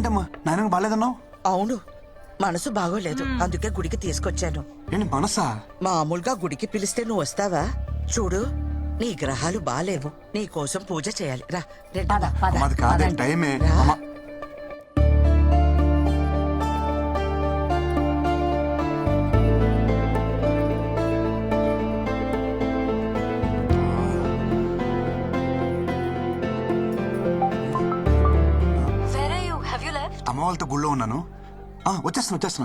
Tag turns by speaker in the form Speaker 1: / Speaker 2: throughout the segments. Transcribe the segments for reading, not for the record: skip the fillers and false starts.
Speaker 1: ఏంటమ్మా నాయనకు బాగాలేదన్నావు?
Speaker 2: అవును, మనసు బాగోలేదు, అందుకే గుడికి తీసుకొచ్చాను.
Speaker 1: ఏంటి మనసా?
Speaker 2: మామూలుగా గుడికి పిలిస్తే నువ్వు వస్తావా? చూడు, నీ గ్రహాలు బాలేవు, నీ కోసం పూజ చేయాలి. రా రండి.
Speaker 1: అమ్మా, అది కాదే టైమే.
Speaker 2: రా.
Speaker 1: అమ్మా
Speaker 3: Where are you? Have you left?
Speaker 1: అమ్మ వాళ్ళతో గుళ్ళో ఉన్నాను. వచ్చేస్తున్నా.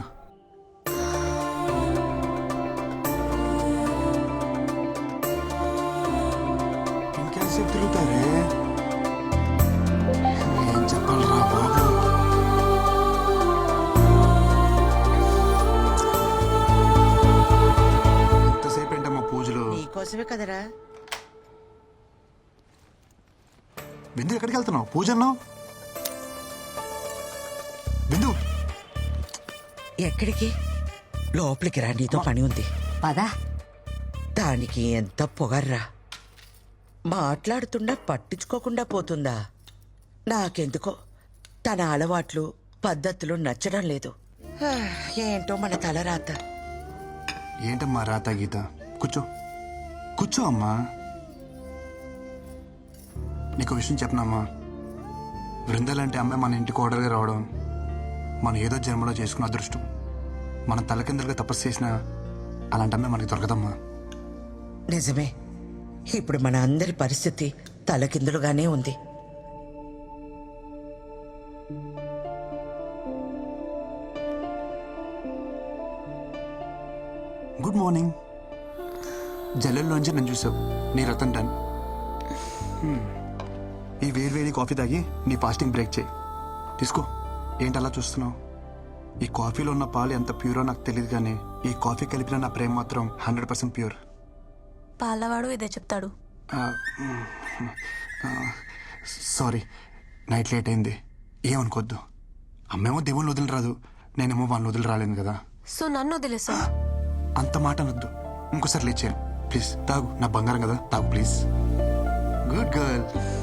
Speaker 1: ఇంకెంతసేపు తిరుగుతారే? ఏం చెప్పాలరా బాబు? ఎంతసేపు ఏంటమ్మా పూజలు?
Speaker 2: నీకోసమే కదరా.
Speaker 1: బిందు ఎక్కడికి వెళ్తున్నావు? పూజ అన్నావు. బిందు
Speaker 2: ఎక్కడికి? లోపలికి రా, నీతో పని ఉంది.
Speaker 4: పదా.
Speaker 2: దానికి ఎంత పొగర్రా, మాట్లాడుతున్నా పట్టించుకోకుండా పోతుందా? నాకెందుకో తన అలవాట్లు పద్ధతులు నచ్చడం లేదు. ఏంటో మన తలరాత.
Speaker 1: ఏంటమ్మా రాత గీత? కూర్చో అమ్మా. నీకు విషయం చెప్పనమ్మా, బృందాలంటే అమ్మాయి మన ఇంటికి ఓడర్గా రావడం మనం ఏదో జన్మలో చేసుకున్న అదృష్టం. మనం తలకిందులుగా తపస్సు చేసినా అలాంటి అమ్మాయి మనకి దొరకదమ్మా.
Speaker 2: నిజమే, ఇప్పుడు మన అందరి పరిస్థితి తలకిందులుగానే ఉంది.
Speaker 1: Good morning. జల్లెల్లోంచి నన్ను చూసావు, నీ రతన్ టన్. ఈ వేడి కాఫీ తాగి నీ ఫాస్టింగ్ బ్రేక్ చేయి. తీసుకో. ఏంటి అలా చూస్తున్నావు? ఈ కాఫీలో ఉన్న పాలు ఎంత ప్యూరో నాకు తెలియదు, కానీ ఈ కాఫీ కలిపిన నా ప్రేమ మాత్రం 100% ప్యూర్.
Speaker 3: పాలవాడు ఇదే చెప్తాడు.
Speaker 1: సారీ, నైట్ లేట్ అయింది, ఏమనుకోద్దు. అమ్మేమో దేవుళ్ళు వదిలి రాదు, నేనేమో వాళ్ళని వదిలి రాలేను కదా.
Speaker 3: సో నన్ను వదిలేసా?
Speaker 1: అంత మాట అనొద్దు. ఇంకోసారి లేచాను ప్లీజ్. తాగు, నా బంగారం కదా, తాగు ప్లీజ్. Good girl.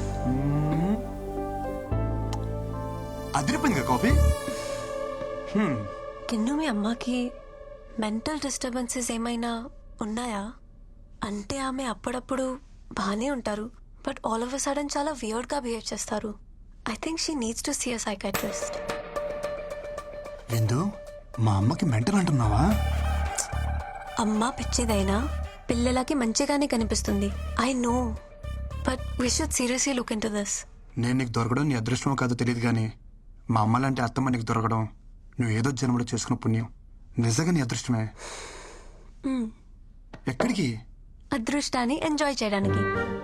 Speaker 1: అదిరిపోయింది కదా కాఫీ.
Speaker 3: కిన్ను, మీ అమ్మకి మెంటల్ డిస్టర్బెన్సెస్ ఏమైనా ఉన్నాయా? అంటే ఆమె అప్పుడప్పుడు బాగానే ఉంటారు, but all of a sudden చాలా వియర్డ్ గా బిహేవ్ చేస్తారు. I think she needs to see a psychiatrist.
Speaker 1: Vindu, మా అమ్మకి మెంటల్ అంటున్నావా?
Speaker 3: అమ్మ పిచ్చిదైనా పిల్లలకి మంచిగానే కనిపిస్తుంది. I know, but we should seriously look into this.
Speaker 1: నేను నీకు దొరకడం నీ అదృష్టమో కాదో తెలియదు, కానీ మా అమ్మ లాంటి అత్తమ్మ నీకు దొరకడం నువ్వు ఏదో జన్మలో చేసుకున్న పుణ్యం. నిజంగా నీ అదృష్టమే. ఎక్కడికి?
Speaker 3: అదృష్టాన్ని ఎంజాయ్ చేయడానికి.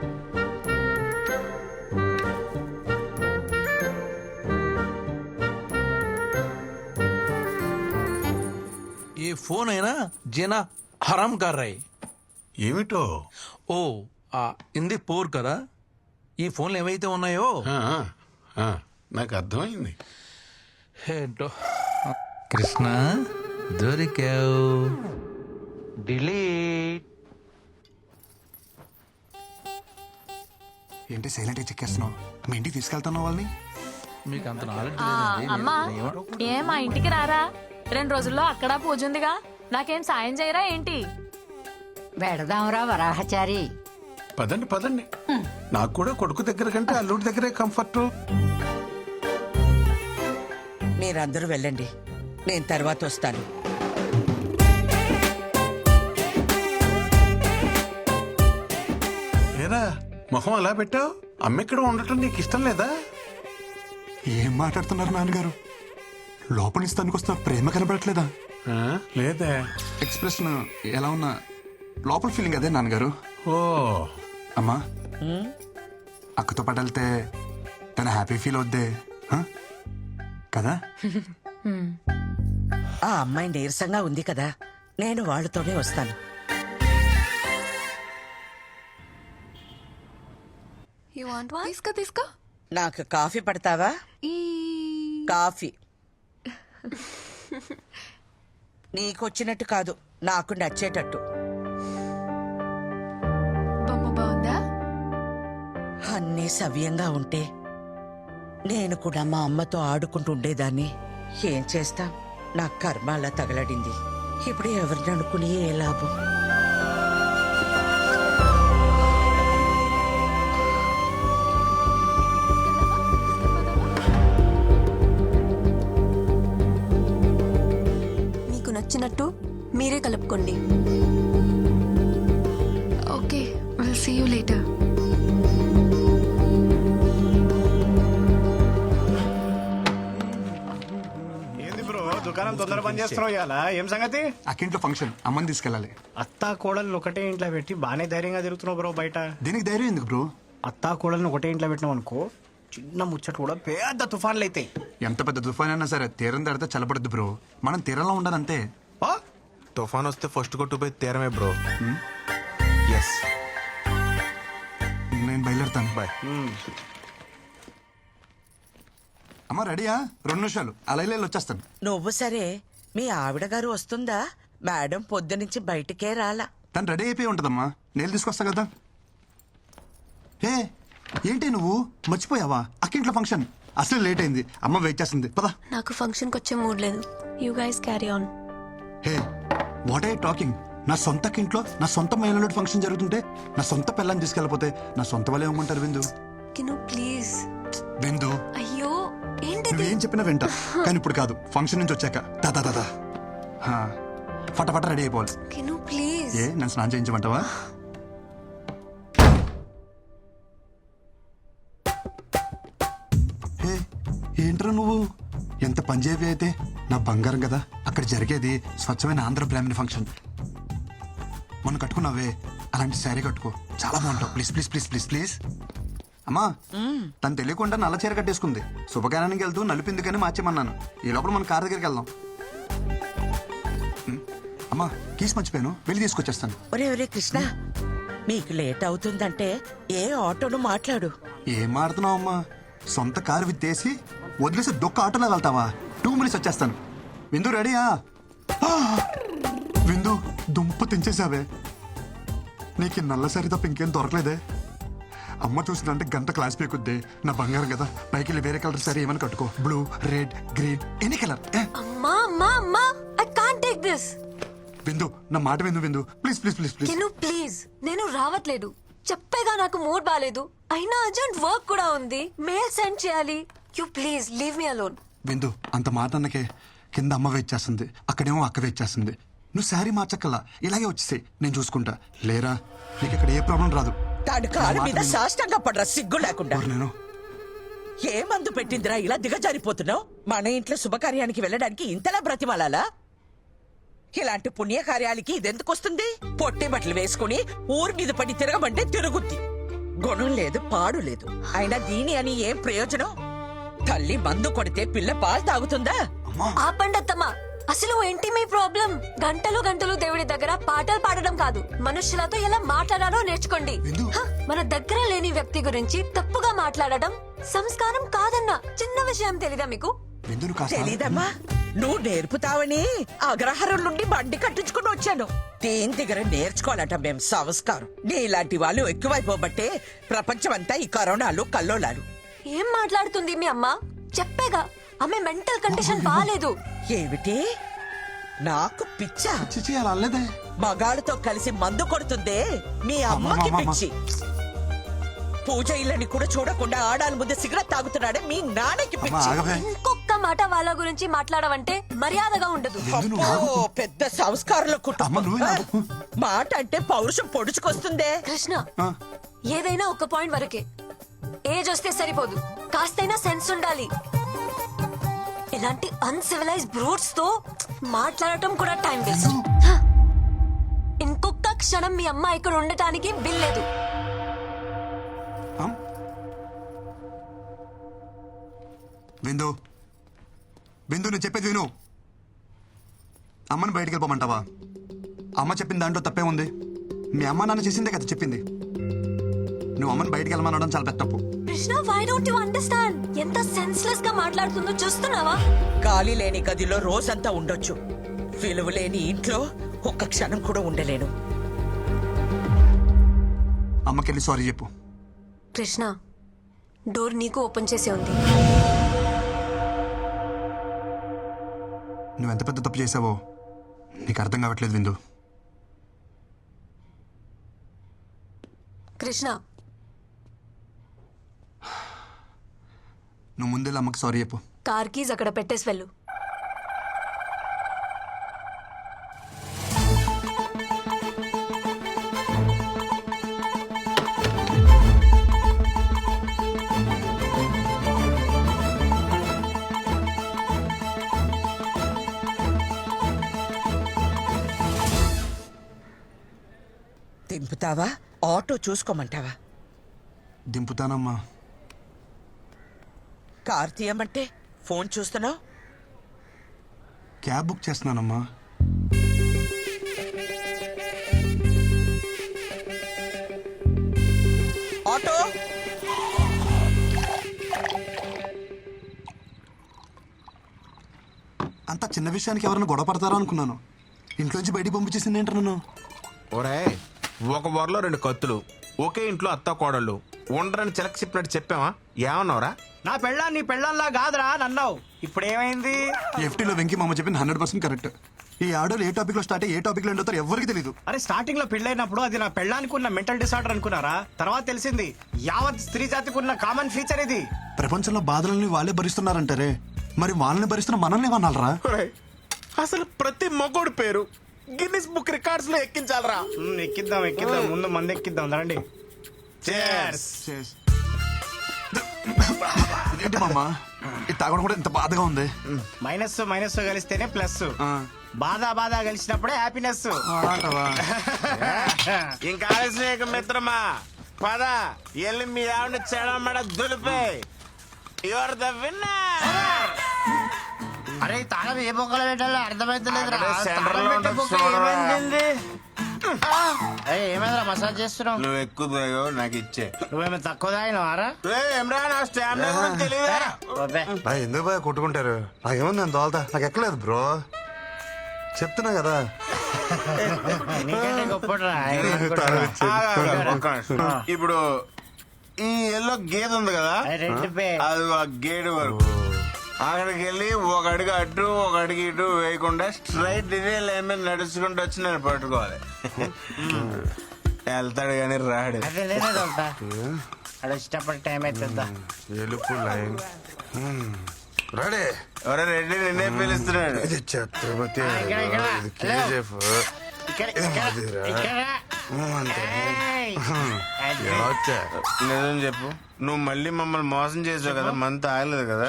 Speaker 5: ये फोन है ना जेना हराम कर रहे.
Speaker 6: ఏమిటో?
Speaker 5: ఓ ఇంది పోర్ కదా, ఈ ఫోన్లు ఏవైతే ఉన్నాయో
Speaker 6: నాకు అర్థమైంది.
Speaker 5: ఏంటో. కృష్ణ దొరికావు. డిలీట్.
Speaker 1: ఏంటి సైలెంట్గా చెక్కేస్తున్నావు? మీ ఇంటికి తీసుకెళ్తున్నావు వాళ్ళని?
Speaker 5: మీకు అంత నాలెడ్జ్
Speaker 7: అమ్మా, ఏం మా ఇంటికి రారా? 2 రోజుల్లో అక్కడ పూజ ఉందిగా, నాకేం సాయం చేయరా ఏంటి?
Speaker 4: వెడదాంరా వరాహచారి.
Speaker 6: పదండి. నాకు కూడా కొడుకు దగ్గర కంటే అల్లుడి దగ్గరే కంఫర్ట్.
Speaker 2: మీరందరూ వెళ్ళండి, నేను తర్వాత వస్తాను.
Speaker 6: ఏరా మొహం అలా పెట్టావు? అమ్మెక్కడ ఉండటం నీకు ఇష్టం లేదా?
Speaker 1: ఏం మాట్లాడుతున్నారు నాన్నగారు? లోపల నుంచి తనకొస్తున్న ప్రేమ కనబడట్లేదా?
Speaker 6: లేదే.
Speaker 1: ఎక్స్ప్రెషన్ ఎలా ఉన్నా లోపల ఫీలింగ్ అదే నాన్నగారు.
Speaker 6: ఓ
Speaker 1: అమ్మా, అక్కతో పాటు వెళ్తే తన హ్యాపీ ఫీల్ అవుద్దే కదా?
Speaker 2: ఆ అమ్మాయి నీరసంగా ఉంది కదా, నేను వాళ్ళతోనే వస్తాను.
Speaker 3: You want one? తీసుకో.
Speaker 2: నాకు కాఫీ పడతావా? కాఫీ నీకొచ్చినట్టు కాదు, నాకు నచ్చేటట్టు.
Speaker 3: బొమ్మ బాగుందా?
Speaker 2: అన్నీ సవ్యంగా ఉంటే నేను కూడా మా అమ్మతో ఆడుకుంటూ ఉండేదాన్ని. ఏం చేస్తాం, నా కర్మ అలా తగలడింది. ఇప్పుడు ఎవరిని అనుకుని ఏ లాభం?
Speaker 3: మీకు నచ్చినట్టు మీరే కలుపుకోండి.
Speaker 8: Okay, will see you later.
Speaker 9: ఏంది బ్రో దుకాణం తొందర పని చేస్తున్నావు ఇవాళ? ఏం సంగతి?
Speaker 1: అక్కింట్లో ఫంక్షన్, అమ్మని తీసుకెళ్ళాలి.
Speaker 9: అత్తా కోడల్ని ఒకటే ఇంట్లో పెట్టి బాగానే ధైర్యంగా తిరుగుతున్నావు బ్రో బయట.
Speaker 1: దీనికి ధైర్యం ఎందుకు బ్రో?
Speaker 9: అత్తా కోడల్ని ఒకటే ఇంట్లో పెట్టినావు అనుకో, చిన్న ముచ్చట కూడా పెద్ద తుఫాన్లు అవుతాయి.
Speaker 1: ఎంత పెద్ద తుఫాన్ అయినా సరే తీరం దాడితే చల్లబడద్దు బ్రో. మనం తీరంలో ఉండాలంతే.
Speaker 9: ఆ?
Speaker 10: తుఫాన్ వస్తే ఫస్ట్ కొట్టుపోయి తీరమే బ్రో. ఎస్,
Speaker 1: నేను బయలుదేరుతాను. బాయ్. అమ్మ రెడీయా? 2 నిమిషాలు అలా ఇలా వచ్చేస్తాను.
Speaker 2: నువ్వు సరే, మీ ఆవిడ గారు వస్తుందా? మేడం పొద్దునుంచి బయటికే రాలా.
Speaker 1: తను రెడీ అయిపోయి ఉంటుందమ్మా, నేను తీసుకొస్తా కదా. హే ఏంటి నువ్వు మర్చిపోయావా? అక్కింట్లో ఫంక్షన్ అసలు లేట్ అయింది, అమ్మ వెయిట్ చేస్తుంది. పదా.
Speaker 3: నాకు ఫంక్షన్కి వచ్చే మూడ్ లేదు. You guys carry on.
Speaker 1: Hey what I talking? నా సొంత ఇంట్లో నా సొంత మహిళలో ఫంక్షన్ జరుగుతుంటే నా సొంత పిల్లని తీసుకెళ్ళిపోతే నా సొంత వాళ్ళే ఏమంటారు? విందు
Speaker 3: కిను ప్లీజ్.
Speaker 1: విందు,
Speaker 3: అయ్యో ఏంటిది?
Speaker 1: నువ్వేం చెప్పినా వింటా, కానీ ఇప్పుడు కాదు, ఫంక్షన్ నుంచి వచ్చాక. దాదా దాదా ఫటాఫట రెడీ అయిపోవాలి.
Speaker 3: కిను ప్లీజ్.
Speaker 1: ఏ నన్ను స్నానం చేయించమంటావా? హే ఏంట్రా నువ్వు ఎంత పంజాబీ అయితే నా బంగారం కదా. అక్కడ జరిగేది స్వచ్ఛమైన ఆంధ్ర బ్రాహ్మణ ఫంక్షన్. మొన్న కట్టుకున్నావే అలాంటి శారీ కట్టుకో, చాలా బాగుంటావు. Please please please please please. అమ్మా తను తెలియకుండా నల్ల చీర కట్టేసుకుంది. శుభకార్యానికి వెళ్తూ నలిపిందుకని మార్చేమన్నాను. ఈ లోపల మన కార్ దగ్గరికి వెళ్దాం. అమ్మా కీస్ మర్చిపోయాను, వెళ్ళి తీసుకొచ్చేస్తాను.
Speaker 2: ఒరే ఒరే కృష్ణ, మీకు లేట్ అవుతుందంటే ఏ ఆటోను మాట్లాడు.
Speaker 1: ఏం మాడుతున్నావు అమ్మా? సొంత కారు విత్తేసి వదిలేసి దొక్క ఆటోలో వెళ్తావా? 2 మినిట్స్ వచ్చేస్తాను. విందు రెడీయా? విందు దుంప తెంచేసావే. నీకు ఈ నల్ల సరి తప్ప ఇంకేం దొరకలేదే. అమ్మ చూసిందంటే గంట క్లాస్ పీకుద్ది. నా బంగారం కదా, పైకి వెళ్ళి వేరే కలర్ సరే ఏమైనా కట్టుకో. Blue, red, green, any colour.
Speaker 3: అమ్మా అమ్మా అమ్మా, ఐ కాంట్ టేక్ దిస్.
Speaker 1: విందు నా మాట Vindu. Vindu please please please please.
Speaker 3: Kinu please, నేను రావట్లేదు. చెప్పేగా నాకు మూడ్ బాలేదు. అయినా అర్జెంట్ వర్క్ కూడా ఉంది, మెయిల్ సెండ్ చేయాలి. You please leave me alone.
Speaker 1: Vindu అంత మాట అన్నకే కింద అమ్మ వెయిట్ చేస్తుంది, అక్కడేమో అక్క వెయిట్ చేస్తుంది. నువ్వు శారీ మార్చక్కల్లా, ఇలాగే వచ్చేసాయి, నేను చూసుకుంటా. లేరా నీకు ఇక్కడ ఏ ప్రాబ్లం రాదు.
Speaker 2: తాడు కాలు మీద సాష్టంగా పడరా సిగ్గు లేకుండా.
Speaker 1: నేను
Speaker 2: ఏ మందు పెట్టిందిరా ఇలా దిగజారిపోతున్నావు? మన ఇంట్లో శుభకార్యానికి వెళ్ళడానికి ఇంతలా బ్రతిమాలాలా? ఇలాంటి పుణ్యకార్యాలకి ఇదెందుకు వస్తుంది? పొట్టి బట్టలు వేసుకుని ఊరి మీద పడి తిరగమంటే తిరుగుద్ది. గుణం లేదు, పాడు లేదు. అయినా దీని అని ఏం ప్రయోజనం? తల్లి మందు కొడితే పిల్ల పాలు తాగుతుందా?
Speaker 3: ఆపండి అత్తమ్మా. అసలు ఏంటి మీ ప్రాబ్లం? గంటలు గంటలు దేవుడి దగ్గర పాటలు పాడడం కాదు, మనుషులతో ఎలా మాట్లాడాలో నేర్చుకోండి. హ, మన దగ్గర లేని వ్యక్తి గురించి తప్పుగా మాట్లాడడం సంస్కారం కాదన్న చిన్న విషయం తెలీదా మీకు?
Speaker 2: తెలీదమ్మా, నువ్వు నేర్పుతావని అగ్రహారం నుండి బండి కట్టించుకుని వచ్చాను. దేని దగ్గర నేర్చుకోవాలట మేం సంస్కారం. నీలాంటి వాళ్ళు ఎక్కువైపోబట్టే ప్రపంచమంతా ఈ కరోనాలు కల్లోలాలు.
Speaker 3: ఏం మాట్లాడుతుంది మీ అమ్మ? చెప్పేగా ఆమె మెంటల్ కండిషన్ బాలేదు.
Speaker 2: ఏమిటి నాకు పిచ్చా?
Speaker 1: చిచి అలా అల్లేదే.
Speaker 2: మగాళ్ళతో కలిసి మందు కొడుతుందే మీ అమ్మకి పిచ్చి. పూజ ఇళ్ళని కూడా చూడకుండా ఆడాల ముందు సిగరెట్ తాగుతున్నాడే మీ నాన్నకి పిచ్చి.
Speaker 3: ఇంకొక మాట వాళ్ళ గురించి మాట్లాడవంటే మర్యాదగా ఉండదు.
Speaker 2: అబ్బో, పెద్ద సంస్కారంలో
Speaker 1: అమ్మ,
Speaker 2: కుటుంబం.
Speaker 1: నువ్వే నాకు.
Speaker 2: మాట అంటే పౌరుషం పొడుచుకొస్తుందే.
Speaker 3: కృష్ణ, ఏదైనా ఒక పాయింట్ వరకే. ఏజ్ వస్తే సరిపోదు, కాస్తైనా సెన్స్ ఉండాలి. ఇలాంటి అన్సివిలైజ్ బ్రూట్స్ తో మాట్లాడటం కూడా టైం వేస్ట్. ఇంకొక క్షణం మీ అమ్మ ఇక్కడ ఉండటానికి వీల్లేదు.
Speaker 1: విందు విందు నువ్వు చెప్పేది విను. అమ్మని బయటికి వెళ్ళిపోమంటావా? అమ్మ చెప్పిన దాంట్లో తప్పే ఉంది. మీ అమ్మ నాన్న చేసిందే కదా చెప్పింది. నువ్వు అమ్మని బయటికి వెళ్ళమనడం చాలా పెద్ద తప్పు.
Speaker 3: Krishna, why don't you understand? ఎంత సెన్స్లెస్ గా మాట్లాడుతుందో చూస్తున్నావా?
Speaker 2: గాలి లేని గదిలో రోజంతా ఉండొచ్చు, విలువ లేని ఇంట్లో ఒక్క క్షణం కూడా ఉండలేను.
Speaker 1: అమ్మకెళ్ళి సారీ చెప్పు.
Speaker 3: కృష్ణ, డోర్ నీకు ఓపెన్ చేసే ఉంది.
Speaker 1: నువ్వు ఎంత పెద్ద తప్పు చేసావో నీకు అర్థం కావట్లేదు విందు.
Speaker 3: కృష్ణ,
Speaker 1: నువ్వు ముందే అమ్మకి సారీ చెప్పు.
Speaker 3: కార్ కీజ్ అక్కడ పెట్టేసి వెళ్ళు.
Speaker 2: దింపుతావా ఆటో చూసుకోమంటావా?
Speaker 1: దింపుతానమ్మా.
Speaker 2: కార్ తీయమంటే ఫోన్ చూస్తున్నావు.
Speaker 1: క్యాబ్ బుక్ చేస్తున్నానమ్మా.
Speaker 2: ఆటో
Speaker 1: అంత చిన్న విషయానికి ఎవరైనా గొడవ పడతారా అనుకున్నాను. ఇంట్లోంచి బయటికి పంపించేసింది ఏంట నన్ను.
Speaker 10: ఒరే ఒక వరలో 2 కత్తులు, ఒకే ఇంట్లో అత్త కోడళ్ళు ఉండరని చిలక చెప్పినట్టు చెప్పావా? ఏమన్నావురా?
Speaker 9: నా పెళ్ళాన్ని నీ పెళ్ళాల్లా కాదురా నన్నావు. ఇప్పుడు ఏమైంది?
Speaker 1: ఎఫ్టీలో వెంకీ మామ చెప్పింది 100% కరెక్ట్. ఈ ఆడోలు ఏ టాపిక్ లో స్టార్ట్ అయ్యి ఏ టాపిక్ లో ఎండవుతారో ఎవరికి తెలియదు.
Speaker 9: అరే స్టార్టింగ్ లో పెళ్ళైనప్పుడు అది నా పెళ్ళానికి ఉన్న మెంటల్ డిసార్డర్ అనుకున్నారా? తర్వాత తెలిసింది యావత్ స్త్రీ జాతికి ఉన్న కామన్ ఫీచర్ ఇది.
Speaker 1: ప్రపంచంలో బాధలని వాళ్ళే భరిస్తున్నారంటారే, మరి వాళ్ళని భరిస్తున్న మనల్ని ఏమన్నారా?
Speaker 10: ఒరేయ్, అసలు ప్రతి మగోడు పేరు గిన్నిస్ బుక్ రికార్డ్స్ లో ఎక్కించాలరా.
Speaker 9: ఎక్కిద్దాం ఎక్కిద్దాం, ముందు మంది ఎక్కిద్దాం రండి.
Speaker 10: Cheers.
Speaker 1: ఏంటి మామ ఇది తాగడం కూడా ఇంత బాధగా ఉంది.
Speaker 9: మైనస్ మైనస్ కలిస్తేనే ప్లస్. బాధ బాధ కలిసినప్పుడే హ్యాపీనెస్.
Speaker 10: ఇంకా ఆలస్యం మిత్రమా, పద ఎల్లి మీ ఆవిడ చెడమడ దులిపే. You're the winner.
Speaker 9: అరే తాగదు ఏ బొక్కలు పెట్టాలో అర్థమైతలేదు. ఏమైందిరా మసాజ్ చేస్తున్నావు?
Speaker 10: నువ్వు ఎక్కువ నాకు ఇచ్చే.
Speaker 9: నువ్వేమో తక్కువ తాగినవారా?
Speaker 10: తెలియదా?
Speaker 1: ఎందుకు బాగా కొట్టుకుంటారు? నాకేమో నేను దోల్తా, నాకు ఎక్కలేదు బ్రో, చెప్తున్నా కదా.
Speaker 9: నీకంటే గొప్పరా.
Speaker 10: ఇప్పుడు ఈ ఎల్లో గేదె ఉంది కదా, అది ఆ గేడు వరకు అక్కడికి వెళ్ళి ఒక అడుగు అటు ఒక అడుగు ఇటు వేయకుండా స్ట్రైట్ ఇదే లైన్ మీద నడుచుకుంటూ వచ్చి నేను పట్టుకోవాలి. వెళ్తాడు కానీ రాడు.
Speaker 9: అదే నేనే దొరుకుతా. అక్కడ వచ్చేటప్పుడు టైం అవుతుందా?
Speaker 10: ఎలుపు లైన్
Speaker 1: రాడే
Speaker 10: ఎవరో రెడ్డి నిన్నే పిలుస్తున్నాడు.
Speaker 1: ఇది ఛత్రపతి, ఇది కేజీఎఫ్.
Speaker 10: నిజం చెప్పు, నువ్వు మళ్ళీ మమ్మల్ని మోసం చేసావు కదా, మంత్ ఆగలేదు కదా?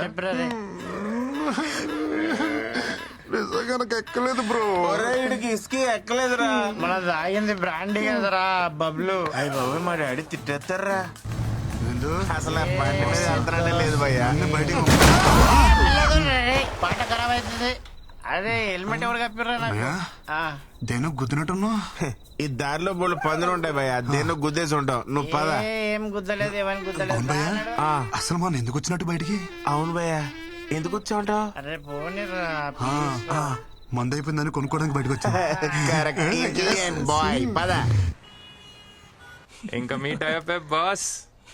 Speaker 10: నిజంగా నాకు ఎక్కలేదు బ్రో. ఇడికి ఇసుకి ఎక్కలేదురా.
Speaker 9: మన తాగింది బ్రాండీ కదరా బబ్లు.
Speaker 10: అయ్యి బాబు మా డాడీ తిట్టేస్తారా. అసలు ఆ బండి మీద వెళ్తానంటే లేదు భయ్యా.
Speaker 9: పాట ఖరాబ్ అవుతుంది. అదే హెల్మెట్ ఎవరు కప్పిర్రా నాకు?
Speaker 1: దేనో గుద్దినట్టున్నా.
Speaker 10: ఈ దారిలో బోళ్ళు పందులు ఉంటాయి భయ్యా, దేన్నో గుద్దేసి ఉంటావు. నువ్వు పద.
Speaker 9: ఏం గుద్దలేదు, ఏమని గుద్దలేదు.
Speaker 1: అసలు మనం ఎందుకు వచ్చినట్టు బయటికి?
Speaker 10: అవును భయ్యా, ఎందుకు వచ్చావుంటావు?
Speaker 9: అరే పోనీరా.
Speaker 1: మందు అయిపోయిందని కొనుక్కోవడానికి బయటకు వచ్చా.
Speaker 10: బాయ్ పద.
Speaker 11: ఇంకా మీట్ అయ్యే బాస్.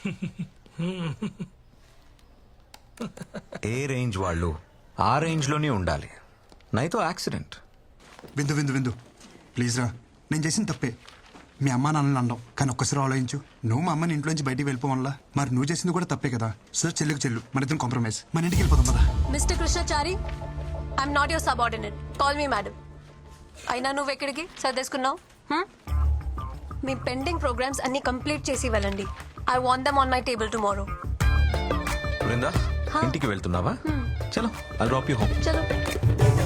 Speaker 12: ఏ రేంజ్ వాళ్ళు ఆ రేంజ్ లోనే ఉండాలి. నైతో యాక్సిడెంట్.
Speaker 1: విందు విందు విందు ప్లీజ్ రా, నేను చేసిన తప్పే. మీ అమ్మ నాన్నని అన్నావు, కానీ ఒక్కసారి ఆలోచించు. నువ్వు మా అమ్మని ఇంట్లోంచి బయటికి వెళ్ళిపోవాలా, మరి నువ్వు చేసింది కూడా తప్పే కదా. సో చెల్లుకు చెల్లు, మన ఇద్దరం కాంప్రమైజ్, మన ఇంటికి వెళ్ళిపోదాం పదా.
Speaker 3: Mister Krishnachari, I'm not your subordinate, call me madam. అయినా నువ్వు ఎక్కడికి సర్దేసుకున్నావు? మీ పెండింగ్ ప్రోగ్రామ్స్ అన్ని కంప్లీట్ చేసి వెళ్ళండి. I want them on my table tomorrow.
Speaker 12: Brinda, ఇంటికి వెళ్తున్నావా? చలో, ఐల్ డ్రాప్ యూ హోమ్.
Speaker 3: చలో.